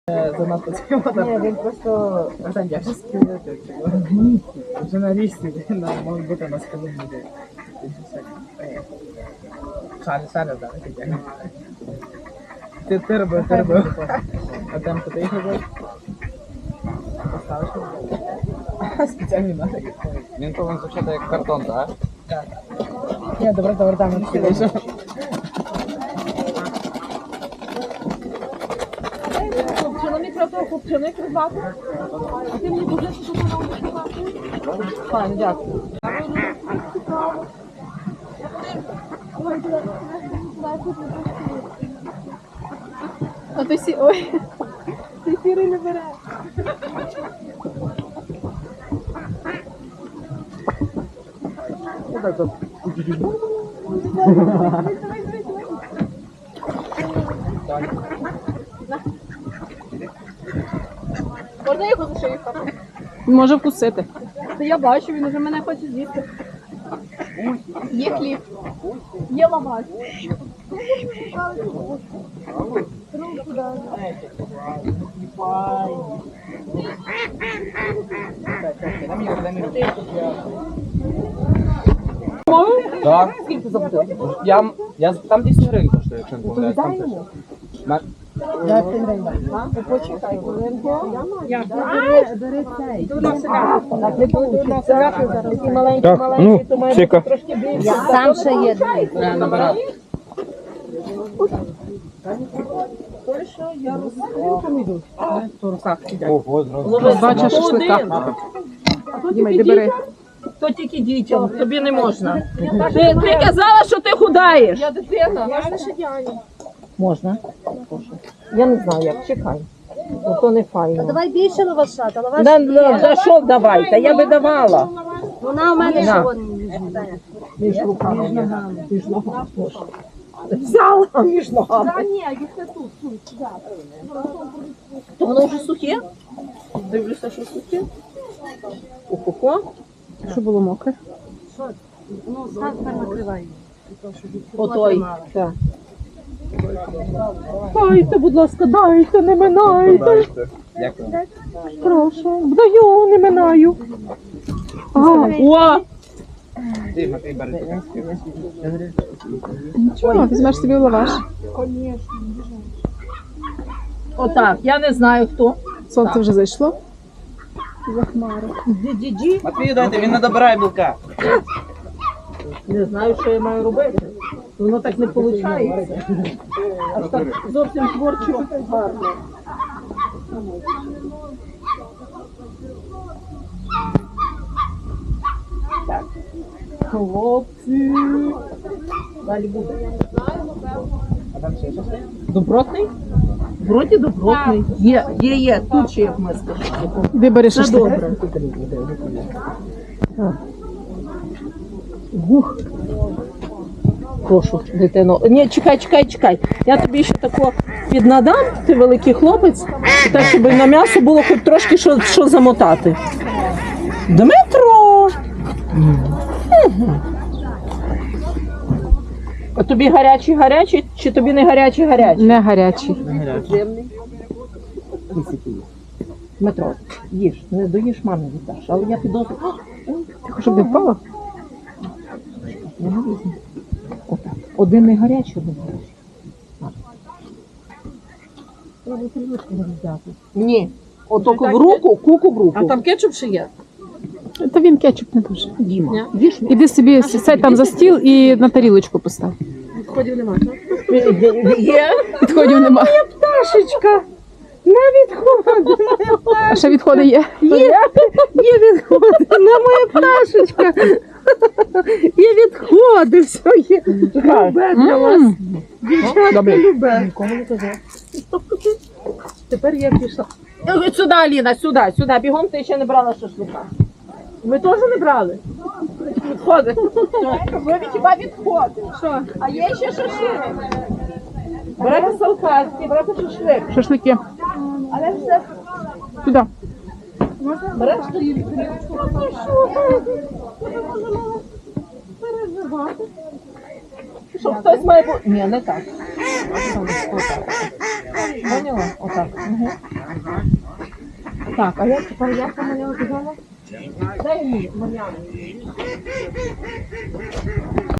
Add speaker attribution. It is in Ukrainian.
Speaker 1: Занадто цього.
Speaker 2: Ні, він просто
Speaker 1: Радянський журналісти можуть бути на скалу буде. Шаля, да, ти робив. А там ти їх робив? Поставиш? Спеціальний надо.
Speaker 3: Він повинен звучати як картон, так?
Speaker 1: Так. Ні, добре, там не вийшов.
Speaker 2: хлопчина, мікрофон, хлопчина, крибаку. А ти мені будеш, що ти на крибаку? Файно, дякую.
Speaker 4: А ти сі... Ой, ти сірий не бере.
Speaker 2: Можна його за шию хапати?
Speaker 4: Може вкусити.
Speaker 2: Та я бачу, він уже мене хоче з'їсти. Є хліб. Є лаваш.
Speaker 3: Так. Скільки заплатив? Я там 10 гривень коштує, якщо не помиляюсь. Там пише.
Speaker 2: Почекай,
Speaker 3: Так, ну, чека.
Speaker 2: Сам ще є.
Speaker 3: Набирати. Ого, зразу.
Speaker 4: Бачиш шашлика. Діма, йди бери.
Speaker 5: То тільки дітям, тобі не можна. Ти казала, що ти худаєш.
Speaker 2: Я дитина. Можна ще Діані?
Speaker 5: Можна. Я не знаю, як, чекай. Ну, то не файно.
Speaker 6: Давай більше лаваша, та лаваш
Speaker 5: За що давайте? Я би давала.
Speaker 6: вона у мене
Speaker 5: На.
Speaker 6: ще вон.
Speaker 5: Між руками. Між ногами. Взяла між ногами.
Speaker 2: Та ні, їх не тут.
Speaker 5: То воно вже сухе? Дивлюся, що сухе. Ого.
Speaker 4: Що було мокре?
Speaker 6: Ну, став тепер накривай.
Speaker 5: Отой. Так.
Speaker 4: Дайте, будь ласка, дайте, не минайте.
Speaker 3: Дякую.
Speaker 4: Прошу, даю, не минаю.
Speaker 5: О!
Speaker 3: Ти, Матвій, бери.
Speaker 4: Нічого, візьмеш собі лаваш.
Speaker 5: Отак, я не знаю хто.
Speaker 4: Сонце вже зайшло.
Speaker 3: Матвію дайте, він не добирає білка.
Speaker 5: Не знаю, що я маю робити. Воно так не виходить. Аж так зовсім творчо гарно. Так. Хлопці. Далі буде.
Speaker 3: А там ще щось?
Speaker 5: Добротний? Вроді добротний. Є. Тут ще як миска.
Speaker 4: Де бери
Speaker 5: Все
Speaker 4: шашлик?
Speaker 5: добре. Гух. Прошу, дитино. Ні, чекай. Я тобі ще тако піднадам, ти великий хлопець, і так, щоб на м'ясо було хоч трошки що замотати. Дмитро! А тобі гарячий, чи тобі не гарячий?
Speaker 4: Не гарячий.
Speaker 5: Дмитро, їж, не доїш, мамі віддаш, але я підозрюю.
Speaker 4: Щоб не впало?
Speaker 5: Я не візьму. Отак. Один не гарячий, один гарячий. Треба привичку не взяти. Ні. Отоко в руку, куку в руку.
Speaker 2: А там кетчуп ще є?
Speaker 4: Та він кетчуп не дуже.
Speaker 5: Діма. Їж.
Speaker 4: Іди собі сядь там за стіл і на тарілочку постав.
Speaker 2: Відходів немає, так?
Speaker 5: Є.
Speaker 4: Відходів нема.
Speaker 5: Пташечка. На відходи, моя
Speaker 4: А ще відходи є?
Speaker 5: Є відходи, на моя пташечка. Є відходи, все є. Любе для вас.
Speaker 4: Добре.
Speaker 5: Любе. Нікому не казав. Тепер я пішла. Сюди, Аліна, сюди. Бігом ти ще не брала шашлика. Ви теж не брали? Відходи. Ви хіба відходи? Що? А є ще шашлик. Брати салфетки, брати шашлик.
Speaker 4: Шашлики.
Speaker 5: Але все.
Speaker 4: Туди.
Speaker 5: Береш тарілку. Ну що? Переживати. Що хтось має бути. Ні, не так. Отак. Поняла? Отак. Угу. Так, а як тепер як Мар'яна казала? Дай мені, Мар'яна.